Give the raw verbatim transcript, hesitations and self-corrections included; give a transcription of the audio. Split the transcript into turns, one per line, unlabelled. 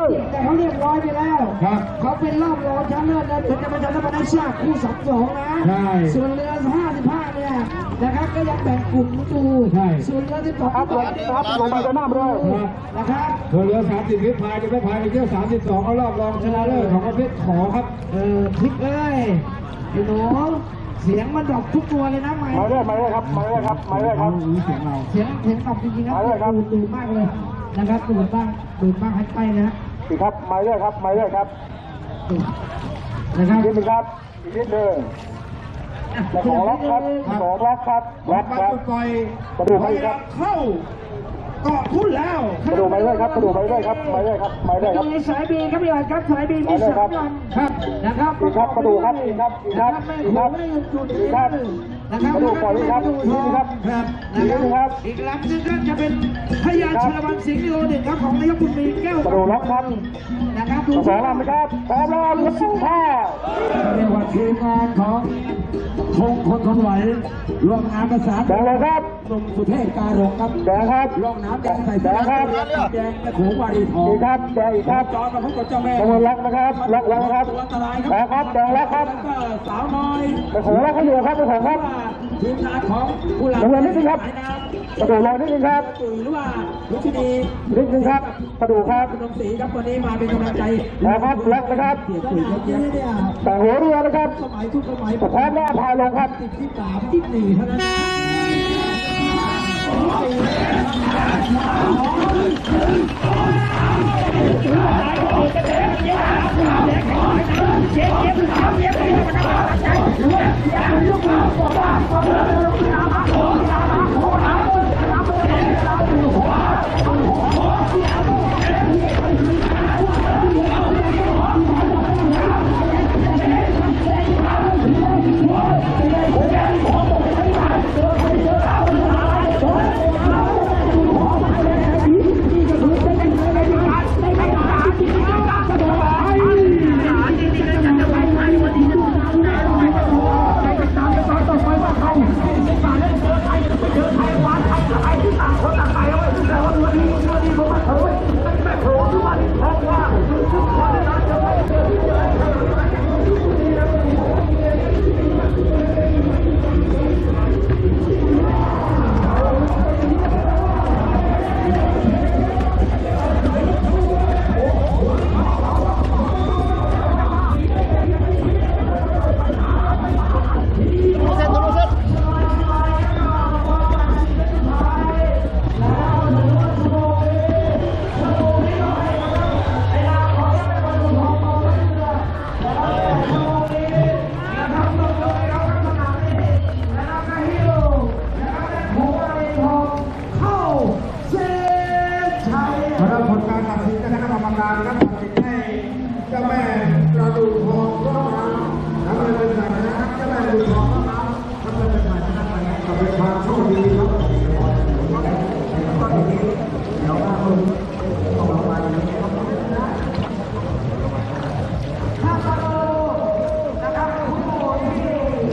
แต่เขาเรียบร้อยไปแล้วครับเขาเป็นรอบรองชนะเลิศนะเดี๋ยวจะมาชนะมาได้ชาติคู่สองสองนะใช่ส่วนเรือห้าสิบห้าเนี่ยนะครับก็ยังแบ่งกลุ่มดูใช่ส่วนเรือที่สองครับครับลงไปจะหน้าเลยนะครับส่วนเรือสามสิบวิพายจะไม่พายไปเที่ยวสามสิบสองเขารอบรองชนะเลิศของประเภทขอครับเออพลิกเอ้ยพี่หนูเสียงมันดรอปทุกตัวเลยนะไม่ไม่ได้ไม่ได้ครับไม่ได้ครับไม่ได้ครับเสียงเราเสียงเสียงดรอปจริงๆครับดูดูมากเลยนะครับดูบ้างดูบ้างให้ไปนะอีกครับไม่ได้ครับไม่ได้ครับนะครับนิดนึงครับอีกนิดนึงสองล็อกครับสองล็อกครับล็อกครับกระดูกไม่ครับเข้าเกาะทุ่นแล้วกระดูกไม่ได้ครับกระดูกไม่ได้ครับไม่ได้ครับไม่ได้ครับสายบีครับพี่อ่อนครับสายบีมีสามลำครับนะครับอีกครับกระดูกครับอีกครับอีกครับอีกครับอีกครับนะครับกระดูกปล่อยครับนี่ครับครับนะครับอีกลำนึงก็จะเป็นพญาชลวันสิงห์โลหนึ่งครับของนายกบุญมีแก้วกระดูกล็อกครับนะครับสองลำนะครับสองลำครับท่าเรียกว่าทีมงานของคงคนทนไหวรวมงานประสานแดงเลยครับหนุ่มสุเทพการงครับแดงครับร่องน้ำแดงใส่แดงครับแดงกระโขงวารีทองครับแดงอีกครับจอมาพบกับเจ้าแม่ตะวันล็อกนะครับล็อกแล้วครับแดงครับแดงแล้วครับสาวน้อยกระโขงล็อกเขาอยู่ครับกระโขงครับทีมงานของผู้หลังนิดนึงครับกระโดดลอยนิดนึงครับหรือว่าลุชินีนิดนึงครับกระโดดครับคุณนงศรีครับวันนี้มาเป็นกำลังใจนะครับล็อกนะครับแต่หัวเรือนะครับสมัยทุกสมัยพร้อมแล้วพายลงครับติดที่สามที่สี่เท่านั้นเจ็บเจ็บเจ็บเจ็บ